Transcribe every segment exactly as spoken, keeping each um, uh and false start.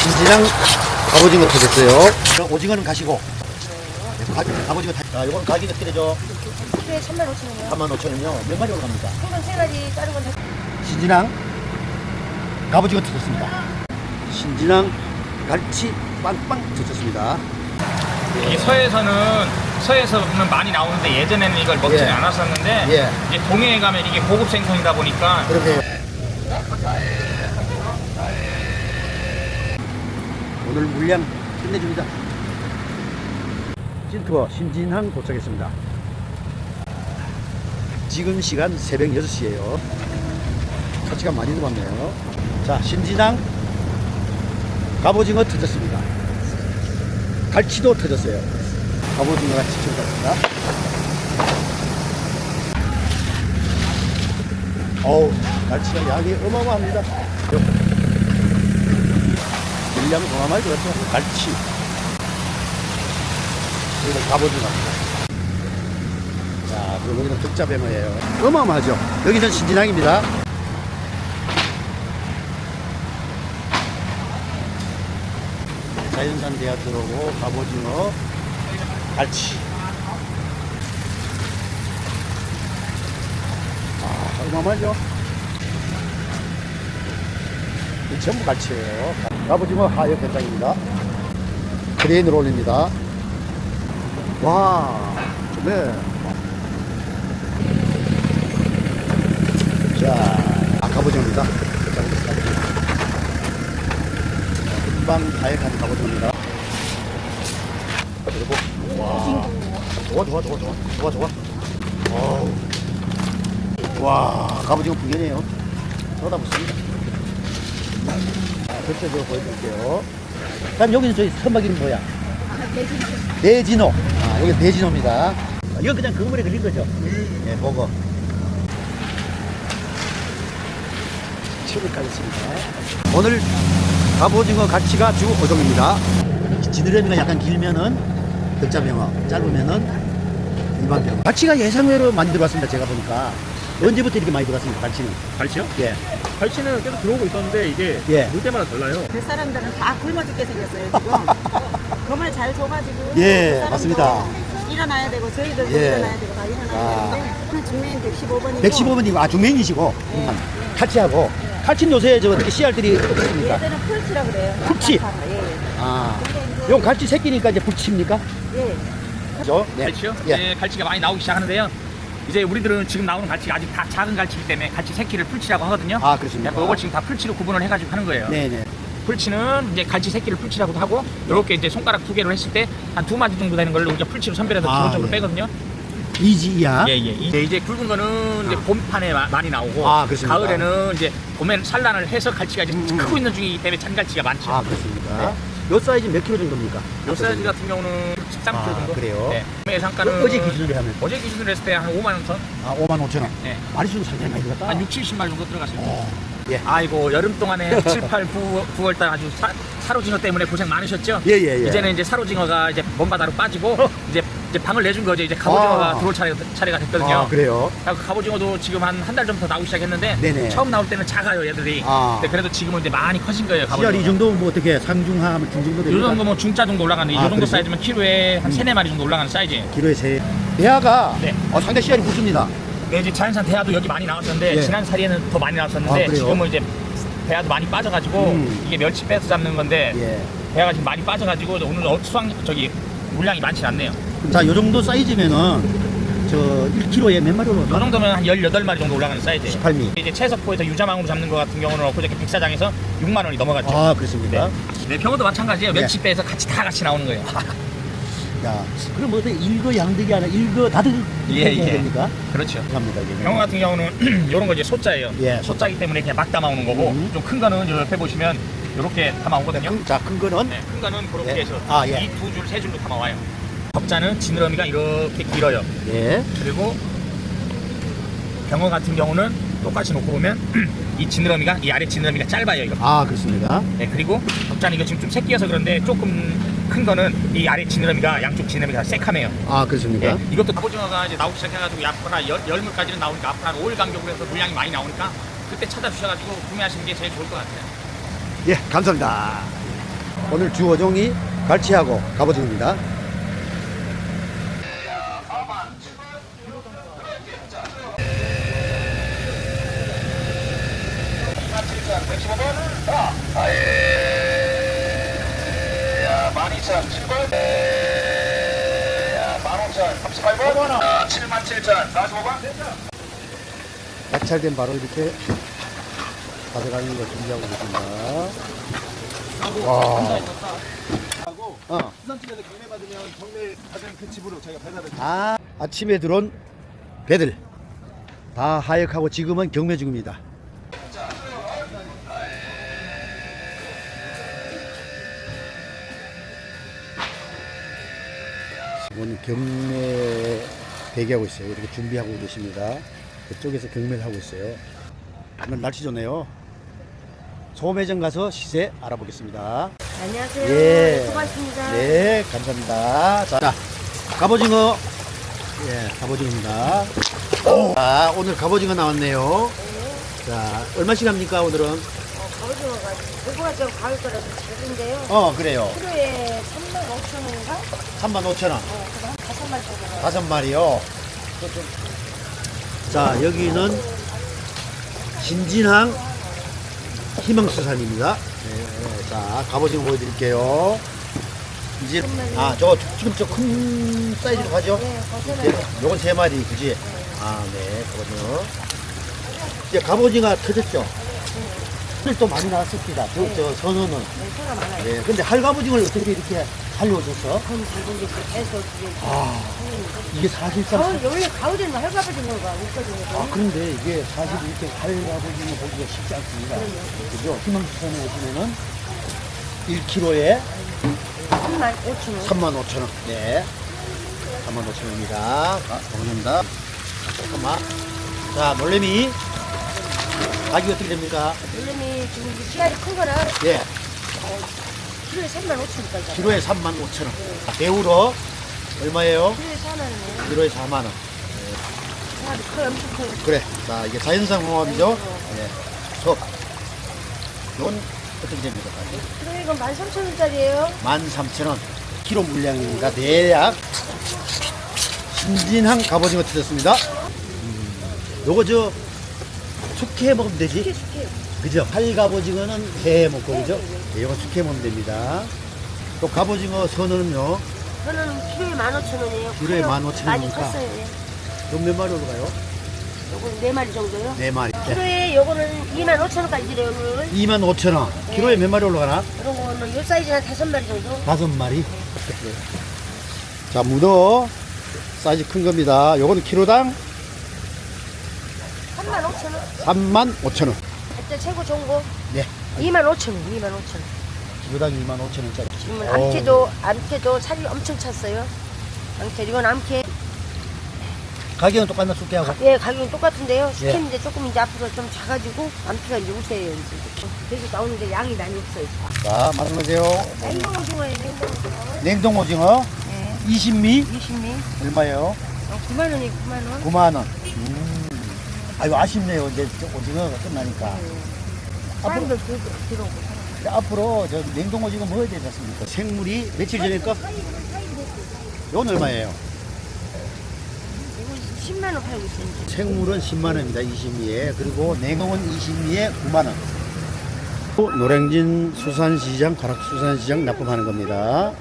신진항 갑오징어 터졌어요. 오징어는 가시고. 가, 갑오징어 타. 아, 이건 가격이 어떻게 되죠? 네, 삼만 오천 원이요. 삼만 오천 원이요. 몇 마리 올라갑니까? 이건 세 가지, 다른 건 다. 신진항 갑오징어 터졌습니다. 신진항 갈치 빵빵 터졌습니다. 이 서해에서는 서해에서는 많이 나오는데 예전에는 이걸 먹지 예. 않았었는데 예. 이제 동해에 가면 이게 고급 생선이다 보니까 그렇게 오늘 물량 끝내줍니다. 찐투어 신진항 도착했습니다. 지금 시간 새벽 여섯 시에요. 가치가 많이 들어왔네요. 자, 신진항 갑오징어 터졌습니다. 갈치도 터졌어요. 갑오징어가 지쳐갔습니다. 어우, 갈치가 양이 어마어마합니다. 물량 어마어마하게 들었죠. 갈치. 여기는 갑오징어입니다. 자, 그리고 여기는 득자뱅어예요. 어마어마하죠. 여기는 신진항입니다. 자연산 대하 들어오고 갑오징어, 갈치. 아, 어마어마하죠. 이 전부 갈치예요. 갑오징어 하역 현장입니다. 크레인으로 올립니다. 와, 네. 자, 아, 갑오징어입니다. 금방 하역한 갑오징어입니다. 그리고 와, 좋아 좋아 좋아 좋아 좋아 좋아. 어우. 와, 갑오징어 풍년이에요. 쏟아붓습니다. 전체적으로 보여드릴게요. 그럼 여기는 저희 선박 이름 뭐야? 대진호. 아, 여기 대진호입니다. 아, 이건 그냥 그물에 걸린 거죠? 네, 보고. 칩을 까겠습니다. 오늘 갑오징어 가치가 주 오 종입니다. 지느러미가 약간 길면은 덕자병어, 짧으면은 일반병어. 가치가 예상외로 많이 들어왔습니다. 제가 보니까. 언제부터 이렇게 많이 들어왔습니까? 갈치는? 갈치요? 예. 갈치는 계속 들어오고 있었는데 이게 예. 물 때마다 달라요. 그 사람들은 다 굶어 죽게 생겼어요, 지금. 그말 잘 줘가지고. 예, 그 사람도 맞습니다. 일어나야 되고, 저희들도 예. 일어나야 되고, 다 일어나야 아. 되는데. 중매인 백십오 번이고. 백십오 번이고, 아, 중맹이시고. 음. 칼치하고. 칼치는 요새 저 어떻게 씨알들이 어떻습니까? 얘들은 풀치라 그래요. 풀치? 예, 예. 아. 요 갈치 새끼니까 이제 풀치입니까? 예. 그죠? 네. 갈치요? 예. 네, 갈치가 많이 나오기 시작하는데요. 이제 우리들은 지금 나오는 갈치가 아직 다 작은 갈치이기 때문에 갈치 새끼를 풀치라고 하거든요. 아, 그렇습니까? 그래서 이걸 지금 다 풀치로 구분을 해가지고 하는 거예요. 네네. 풀치는 이제 갈치 새끼를 풀치라고도 하고 이렇게 이제 손가락 두 개로 했을 때 한 두 마디 정도 되는 걸로 우리가 풀치로 선별해서 아, 기본적으로 예. 빼거든요. 이지 이하. 예, 예. 이제, 이제 굵은 거는 이제 아. 봄판에 마- 많이 나오고 아, 그렇습니까? 가을에는 이제 봄에 산란을 해서 갈치가 이제 음. 크고 있는 중이기 때문에 잔갈치가 많죠. 아, 그렇습니까? 네. 요 사이즈 몇 킬로 정도입니까? 요 사이즈 같은 경우는 십삼 킬로그램 아, 정도. 그래요? 네. 매 상가는 어제 기준으로 하면? 어제 기준으로 했을 때 한 오만 원 선. 아, 오만 오천 원. 네. 마리수는 상당히 많이 들었다. 한 육, 칠십 마리 정도 들어갔습니다. 어, 예. 아이고 여름 동안에 칠, 팔, 구, 구월달 아주 사, 사로징어 때문에 고생 많으셨죠? 예, 예, 예. 이제는 이제 사로징어가 이제 먼바다로 빠지고 이제 이제 방을 내준 거죠. 이제 갑오징어가 아. 들어올 차례, 차례가 됐거든요. 아, 그래요? 그래서 갑오징어도 지금 한 한 달 전부터 나오기 시작했는데 네네. 처음 나올 때는 작아요 얘들이. 아. 근데 그래도 지금은 이제 많이 커진 거예요. 씨알 갑오징어. 이 정도면 뭐 어떻게 상중하, 중정도 요 됩니까? 정도 뭐 중짜 정도 올라가는 이 아, 정도 그러세요? 사이즈면 키로에 한 음. 세네 마리 정도 올라가는 사이즈예요. 기로에 세. 대하가 네. 어, 상당히 씨알이 굵습니다. 네, 이제 자연산 대하도 여기 많이 나왔었는데 예. 지난 사리에는 더 많이 나왔었는데 아, 그래요? 지금은 이제 대하도 많이 빠져가지고 음. 이게 멸치 빼서 잡는 건데 예. 대하가 지금 많이 빠져가지고 오늘 어- 수확 저기 물량이 많지 않네요. 자, 요 정도 사이즈면은 저 일 킬로그램에 몇 마리 이 올라가? 정도면 한 열여덟 마리 정도 올라가는 사이즈예요. 십팔 미. 이제 채석포에서 유자망으로 잡는 것 같은 경우는 엊그저께 백사장에서 육만 원이 넘어갔죠. 아, 그렇습니까? 네, 병어도 마찬가지예요. 네. 멸치 빼서 같이 다 같이 나오는 거예요. 야, 그럼 뭐 어떻게 일거양득이 아니라 일거다득 예, 이렇게 해야 예. 됩니까? 그렇죠. 감사합니다. 이게. 병어 같은 경우는 이런 거 이제 소자예요. 예, 소자기 때문에 그냥 막 담아오는 거고 음. 좀 큰 거는 저 옆에 보시면 이렇게 담아오거든요. 큰, 자, 큰 거는 네, 큰 거는 그렇게 예. 해서 아, 예. 이 두 줄, 세 줄로 담아와요. 적자는 지느러미가 이렇게 길어요. 예. 그리고 병어 같은 경우는 똑같이 놓고 보면 이 지느러미가 이 아래 지느러미가 짧아요. 이거. 아, 그렇습니다. 네, 그리고 적자는 이거 지금 좀 새끼여서 그런데 조금 큰 거는 이 아래 지느러미가 양쪽 지느러미가 새카매요. 아, 그렇습니까? 네, 이것도 갑오징어가 이제 나오기 시작해가지고 앞으로 한 열, 열물까지는 나오니까 앞으로 한 오 일 간격으로 해서 물량이 많이 나오니까 그때 찾아주셔가지고 구매하시는 게 제일 좋을 것 같아요. 예, 감사합니다. 오늘 주 어종이 갈치하고 갑오징어입니다. 만 이천 칠 번, 만 오천 삼십팔 번, 칠만 칠천 사십오 번. 낙찰된 바로 이렇게 가져가는 걸 준비하고 계십니다. 와. 어. 수산집에서 경매 받으면 경매 받은 그 집으로 저희가 배달을 아, 아침에 들어온 배들 다 하역하고 지금은 경매 중입니다. 지금 경매 대기하고 있어요. 이렇게 준비하고 계십니다. 그쪽에서 경매를 하고 있어요. 오늘 날씨 좋네요. 소매점 가서 시세 알아보겠습니다. 안녕하세요. 예. 수고하셨습니다. 네, 감사합니다. 자, 갑오징어. 예, 갑오징어입니다. 자, 오늘 갑오징어 나왔네요. 자, 얼마씩 합니까, 오늘은? 어, 갑오징어가 고구마 좀 가을 거라서 작은데요. 어, 그래요. 키로에 삼만 오천 원인가? 삼만 오천 원. 어, 그래서 한 다섯 마리 정도. 다섯 마리요. 자, 여기는 신진항 희망수산입니다. 네, 네. 자, 갑오징어 보여드릴게요. 이제, 아, 저거 지금 저 큰 사이즈로 가죠? 네, 거기는 예, 요건 세 마리, 그지? 아, 네, 갑오징어. 이제 갑오징어 터졌죠? 오늘 또 많이 나왔습니다. 저, 저 선어는. 네, 소가 많아요. 네, 근데 할갑오징어를 어떻게 이렇게 살려오셨어? 그럼 잘 모르겠어요. 계속 그게. 아, 이게 사실상. 가을, 원래 가을에는 할가버징어가 없거든요. 아, 그런데 이게 사실 이렇게 할갑오징어 보기가 쉽지 않습니다. 그죠? 희망수산에 오시면은 일 킬로에 삼만 오천 원. 삼만 오천 원. 네. 삼만 오천 원입니다. 자, 감사합니다. 잠깐만. 자, 놀래미. 가격이 어떻게 됩니까? 물론이 지금 이제 씨알이 큰 거라 예. 키로에 삼만 오천 원까지. 키로에 삼만 오천 원. 자, 배우로 얼마예요? 키로에 사만 원이에요. 키로에 사만 원. 씨알이 커요. 엄청 커요. 그래. 자, 이게 자연산 홍합이죠? 예. 소. 이건 어떻게 됩니까? 키로에 이건 만 삼천 원짜리예요. 만 삼천 원. 키로 물량입니다. 대략 신진항 갑오징어 터졌습니다. 음, 요거 저 숙회 먹으면 되지? 숙회, 숙회. 그죠? 활갑오징어는 회 먹고 그죠? 네, 요거 숙회 먹으면 됩니다. 또 갑오징어 선어는요. 저는 키로에 만 오천 원이에요. 키로에 커요. 만 오천 많이 원이니까. 컸어요. 예. 요 몇 마리 올라가요? 요거는 네 마리 정도요. 네 마리. 네. 키로에 요거는 이만 오천 원까지 드려요, 오늘. 이만 오천 원. 키로에 몇 마리 올라가나? 이런 거는 요 사이즈 한 다섯 마리 정도. 다섯 마리. 자, 문어 사이즈 큰 겁니다. 요거는 키로당 삼만 오천 원. 삼만 오천 원. 그때 최고 좋은 거 네. 이만 오천 원, 이만 오천 원. 키로당 이만 오천 원짜리. 지금은 오. 암캐도, 암캐도 살이 엄청 찼어요. 암캐, 이건 암캐. 가격은 똑같나 숙회하고? 예, 가격은 똑같은데요. 예. 스팸인데 조금 이제 앞으로 좀 작아지고, 암캐가 이제 우세요, 이제. 계속 나오는데 양이 많이 없어요. 자, 말씀하세요. 냉동 오징어예요, 냉동 오징어. 냉동 오징어 네. 이십 미 이십 미. 얼마예요? 어, 구만 원이 구만 원. 구만 원. 음. 아이고 아쉽네요. 이제 저 오징어가 끝나니까. 사람들 들- 들어오고. 근데 앞으로 저 냉동 오징어 먹어야 되지 않습니까? 생물이 며칠 전에 거? 이건 얼마예요? 이거 십만 원 팔고 있어요. 이제. 생물은 십만 원입니다. 이십 미에. 그리고 냉동은 이십 미에 구만 원. 또 노량진 수산시장, 가락수산시장 납품하는 겁니다.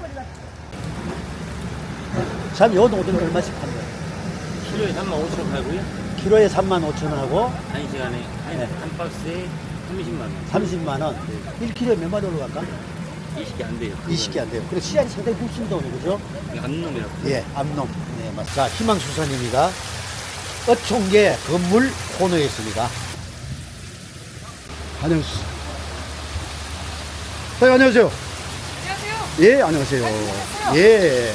참, 요건 오징어 얼마씩 파는 거예요? 키로에 삼만 오천 원 팔고요. 키로에 삼만 오천 원하고 한 시간에 한, 네. 한 박스에 삼십만 원. 삼십만 원. 일 킬로에 몇 마리 올라갈까? 이십 개 안 돼요. 이십 개 안 돼요. 그래, 시간이 상당히 굵습니다, 오늘, 그죠? 안놈이라고. 예, 암놈. 네, 맞습니다. 자, 희망수산입니다. 어촌계 건물 코너에 있습니다. 안녕하세요. 네, 안녕하세요. 안녕하세요. 예, 안녕하세요. 예.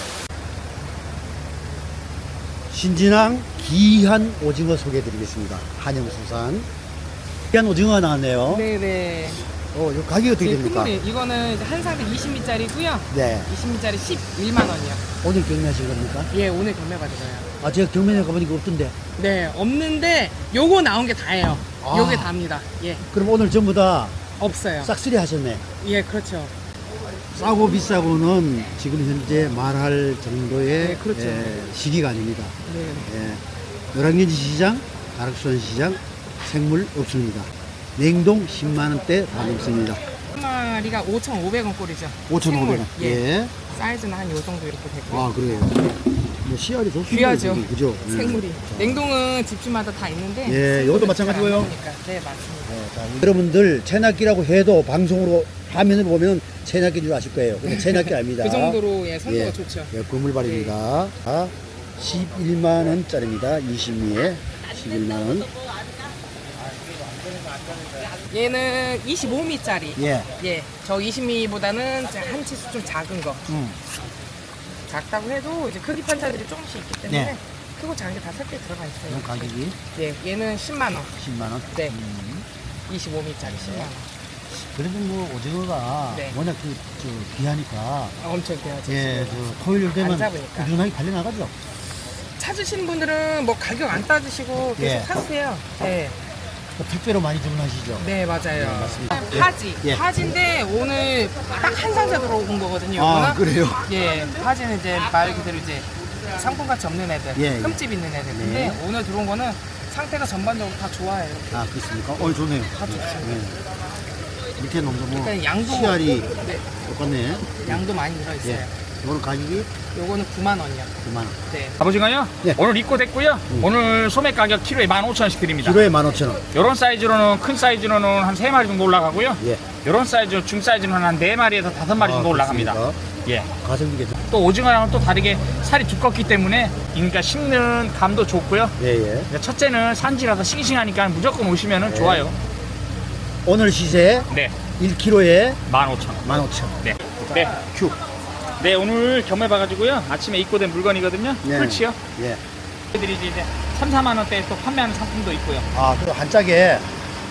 신진항 귀한 오징어 소개해드리겠습니다. 한영수산. 귀한 오징어가 나왔네요. 네네. 어, 이 가격이 어떻게 네, 됩니까? 큰물이 이거는 이제 한 삽에 이십 미터짜리고요. 네. 이십 미터짜리 십일만 원이요. 오늘 경매하신 겁니까? 예, 오늘 경매 받으셔요. 아, 제가 경매에 가보니까 없던데. 네, 없는데 요거 나온 게 다예요. 아. 요게 다입니다. 예, 그럼 오늘 전부 다 없어요. 싹쓸이 하셨네. 예, 그렇죠. 싸고 비싸고는 지금 현재 말할 정도의 네, 그렇죠. 예, 시기가 아닙니다. 네. 예, 노량진시 시장, 가락수원 시장 생물 없습니다. 냉동 십만 원대 다 넘습니다. 한 마리가 오천오백 원 꼴이죠. 오천오백 원. 생물. 예. 예. 사이즈는 한 요 정도 이렇게 되고. 아 그래요. 뭐 씨알이 좋습니다. 귀하죠. 이게, 그죠? 예. 생물이. 냉동은 집집마다 다 있는데. 예, 이것도 생물은 마찬가지고요. 잘안 나오니까. 네, 맞습니다. 네, 자, 여러분들 체납기라고 해도 방송으로 화면을 보면 체납기인 줄 아실 거예요. 근데 체납기 아닙니다. 그 정도로 예, 선도가 예, 좋죠. 예, 그물발입니다. 아, 십일만 원짜리입니다. 이십 미에 십일만 원. 얘는 이십오 미짜리. 예. 예. 저 이십 미보다는 한 치수 좀 작은 거. 음. 작다고 해도 이제 크기 판차들이 조금씩 있기 때문에 네. 크고 작은 게 다 섞여 들어가 있어요. 이건 가격이 예. 얘는 십만 원. 십만 원. 네. 음. 이십오 미짜리 십만 원. 그래도 뭐 오징어가 네. 워낙 그, 저, 귀하니까 아, 엄청 귀하죠. 예, 저 토요일 되면 안 잡으니까. 꾸준하게 팔려 나가죠. 찾으시는 분들은 뭐 가격 안 따지시고 계속 예. 사세요. 네. 그 택배로 많이 주문하시죠. 네, 맞아요. 네, 맞습니다. 파지. 예. 파지인데 오늘 딱 한 상자 들어온 거거든요. 아, 이거는. 그래요? 예. 파지는 이제 말 그대로 이제 상품 가치 없는 애들, 예, 예. 흠집 있는 애들. 근데 네. 오늘 들어온 거는 상태가 전반적으로 다 좋아요. 아, 그렇습니까? 어, 좋네요. 다 좋습니다. 네. 밑에 놈도 뭐 그러니까 양도 씨알이 네, 똑같네. 양도 많이 들어있어요. 예. 이거는 가격이 요거는 구만 원이요. 구만 원. 네. 갑오징어요? 네. 오늘 입고됐고요. 음. 오늘 소매 가격 키로에 만 오천 원씩 드립니다. 키로에 만 오천 원. 이런 사이즈로는 큰 사이즈로는 한 세 마리 정도 올라가고요. 예. 이런 사이즈 중 사이즈는 한 네 마리에서 다섯 마리 정도 아, 올라갑니다. 그렇습니까? 예. 가성비 괜찮. 또 오징어랑은 또 다르게 살이 두껍기 때문에 그러니까 씹는 감도 좋고요. 예, 예. 첫째는 산지라서 싱싱하니까 무조건 오시면 네. 좋아요. 오늘 시세 네. 일 킬로에 만 오천 원. 만 오천 원. 네. 네. 큐. 네, 오늘 경매 봐가지고요. 아침에 입고된 물건이거든요. 네. 풀치요. 예. 애들이 이제 삼, 사만 원대에 또 판매하는 상품도 있고요. 아, 그 한 짝에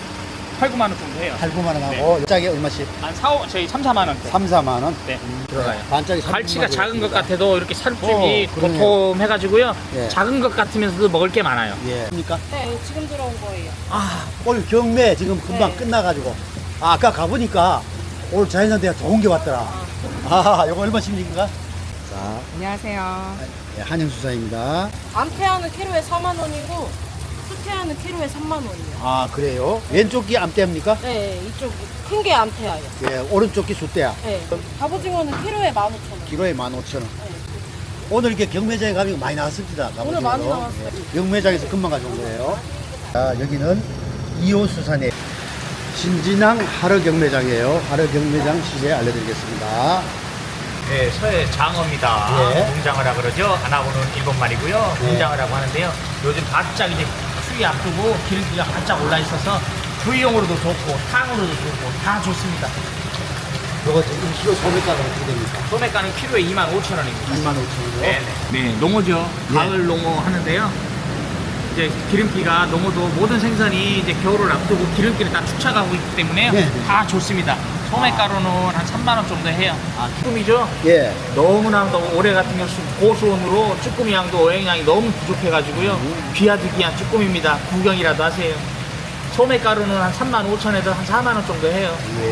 팔, 구만 원 정도 해요. 팔, 구만 원 하고 한 짝에 얼마씩? 한 사, 오, 저희 삼, 사만 원대. 삼, 사만 원. 네, 들어가요. 반 짝에 갈치가 작은 것 같아도 이렇게 살쪽이 어, 그러네요. 도톰해가지고요. 예. 작은 것 같으면서도 먹을 게 많아요. 예. 그러니까 네, 지금 들어온 거예요. 아, 오늘 경매 지금 금방 네. 끝나가지고 아, 아까 가보니까 오늘 자연산대가 좋은 게 왔더라. 아, 이거 얼마씩입니까? 자, 안녕하세요. 예, 한영수사입니다. 암태아는 키로에 사만 원이고 수태아는 키로에 삼만 원이요. 아, 그래요? 왼쪽 귀 암대입니까? 네, 이쪽 큰 게 암태아예요. 예, 오른쪽 귀 숫대야. 네. 갑오징어는 키로에 만 오천 원. 키로에 만 오천 원. 네. 오늘 이렇게 경매장에 가면 많이 나왔습니다. 오늘 많이 나왔어요. 예, 경매장에서 금방 가져온 거예요. 자, 여기는 이호수산의 신진항 하러 경매장이에요. 하러 경매장 시세 알려드리겠습니다. 네, 서해 장어입니다. 예. 농장어라 그러죠. 하나고는 일본 말이고요. 예. 농장어라고 하는데요. 요즘 바짝 이제 추위 앞두고 기름기가 바짝 올라 있어서 구이용으로도 좋고 탕으로도 좋고 다 좋습니다. 이거 지금 키로 소매가가 어떻게 됩니까? 소매가는 키로에 이만 오천 원입니다. 이만 오천 원이요. 네, 네, 농어죠. 예. 가을 농어 하는데요. 이제 기름기가 농어도 모든 생선이 이제 겨울을 앞두고 기름기를 다 축적하고 있기 때문에 네. 다 좋습니다. 소매가루는 한 삼만 원 정도 해요. 아, 쭈꾸미죠? 예. 너무나도 올해 같은 경우 고수온으로 쭈꾸미 양도 어획량이 너무 부족해가지고요. 귀하디 귀한 쭈꾸미입니다. 구경이라도 하세요. 소매가루는 한 삼만 오천에서 한 사만 원 정도 해요. 예.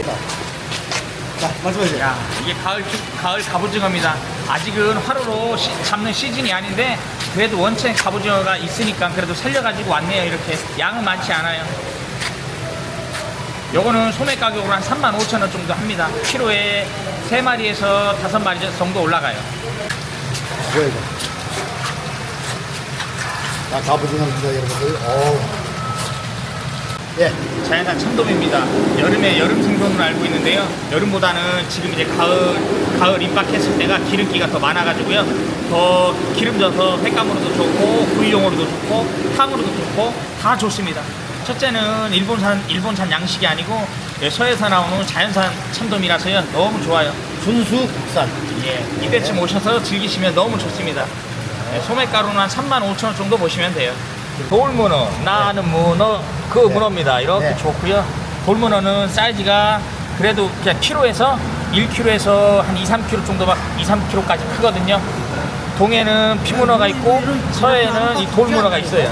자, 말씀하세요. 야, 이게 가을 쭈- 가을 갑오징어입니다. 아직은 화로로 시- 잡는 시즌이 아닌데 그래도 원체 갑오징어가 있으니까 그래도 살려가지고 왔네요. 이렇게 양은 많지 않아요. 요거는 소매 가격으로 한 삼만 오천 원 정도 합니다. 키로에 세 마리에서 다섯 마리 정도 올라가요. 뭐야, 이거? 자, 가보증합니다, 여러분들. 어우. 예. 자연산 참돔입니다. 여름에 여름 생선으로 알고 있는데요. 여름보다는 지금 이제 가을 가을 입박했을 때가 기름기가 더 많아가지고요. 더 기름져서 횟감으로도 좋고 구이용으로도 좋고 탕으로도 좋고 다 좋습니다. 첫째는 일본산 일본산 양식이 아니고 서해에서 나오는 자연산 참돔이라서요. 너무 좋아요. 순수 국산. 예, 이때쯤 오셔서 즐기시면 너무 좋습니다. 예, 소매가루는 한 삼만 오천 원 정도 보시면 돼요. 돌문어, 나는 문어, 그 네. 문어입니다. 이렇게 네. 좋고요. 돌문어는 사이즈가 그래도 그냥 키로에서 일 킬로그램에서 한 이, 삼 킬로그램 정도, 이, 삼 킬로그램까지 크거든요. 동해는 피문어가 있고 서해는 이 돌문어가 있어요.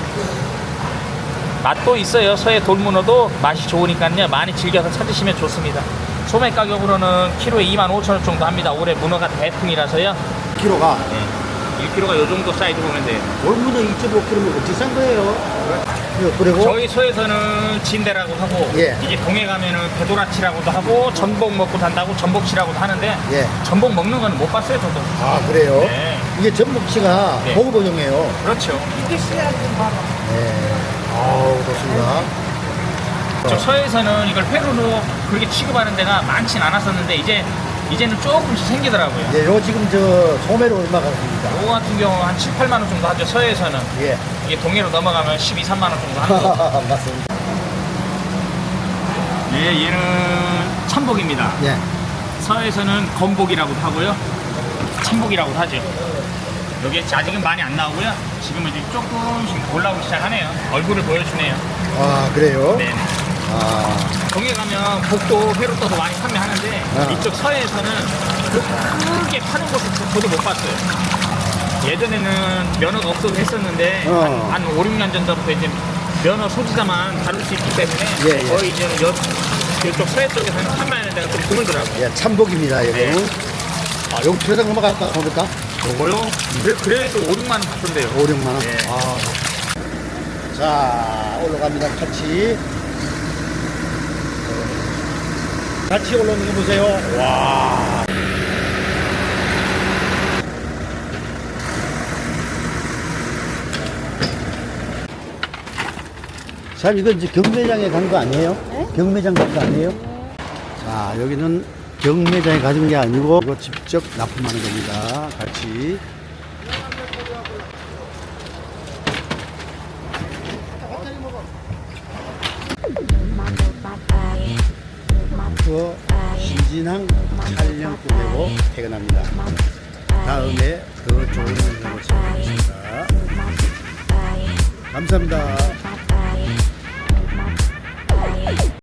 맛도 있어요. 서해 돌문어도 맛이 좋으니까요. 많이 즐겨서 찾으시면 좋습니다. 소매 가격으로는 키로에 이만 오천 원 정도 합니다. 올해 문어가 대풍이라서요. 키로가 일 킬로그램가 요 정도 사이즈 보면 돼요. 올문어 이 점 오 킬로그램 비싼 거예요. 그리고 저희 소에서는 진대라고 하고 예. 이제 동해 가면은 배도라치라고도 하고 전복 먹고 산다고 전복치라고도 하는데 예. 전복 먹는 건 못 봤어요 저도. 아 그래요? 네. 이게 전복치가 네. 보급어종이에요. 그렇죠. 네. 아우 좋습니다. 저 서해에서는 이걸 회로로 그렇게 취급하는 데가 많진 않았었는데 이제 이제는 조금씩 생기더라고요. 예, 요 지금 저 소매로 얼마 가십니까? 요거 같은 경우 한 칠, 팔만 원 정도 하죠. 서해에서는. 예. 이게 동해로 넘어가면 십이, 삼만 원 정도 하는 거. 맞습니다. 예, 얘는 참복입니다. 예. 서해에서는 건복이라고도 하고요. 참복이라고도 하죠. 여기 아직은 많이 안 나오고요. 지금은 이제 조금씩 올라오기 시작하네요. 얼굴을 보여주네요. 아 그래요? 네. 아 동해 가면 복도 회로 떠서 많이 판매하는데 아. 이쪽 서해에서는 크게 파는 곳을 저도 못 봤어요. 예전에는 면허가 없어도 했었는데 어. 한, 한 오, 육 년 전부터 이제 면허 소지자만 다룰 수 있기 때문에 예, 예. 거의 이제 여, 이쪽 서해 쪽에서는 판매하는 데가 좀 드물더라고요. 예, 참복입니다. 이거는. 네. 아, 여기 표상 넘어갈까 보니까 요거요? 그래, 그래도 오, 육만 원 받던데요. 오, 육만 원. 예. 아. 자, 올라갑니다. 같이. 같이 올라오는 거 보세요. 와. 자, 이건 이제 경매장에 간 거 아니에요? 경매장 간 거 아니에요? 자, 여기는 경매장에 가진 게 아니고 이거 직접 납품하는 겁니다. 같이. 그 신진항 촬영 끝내고 퇴근합니다. 다음에 더 좋은 영상을 찾아뵙겠습니다. 감사합니다.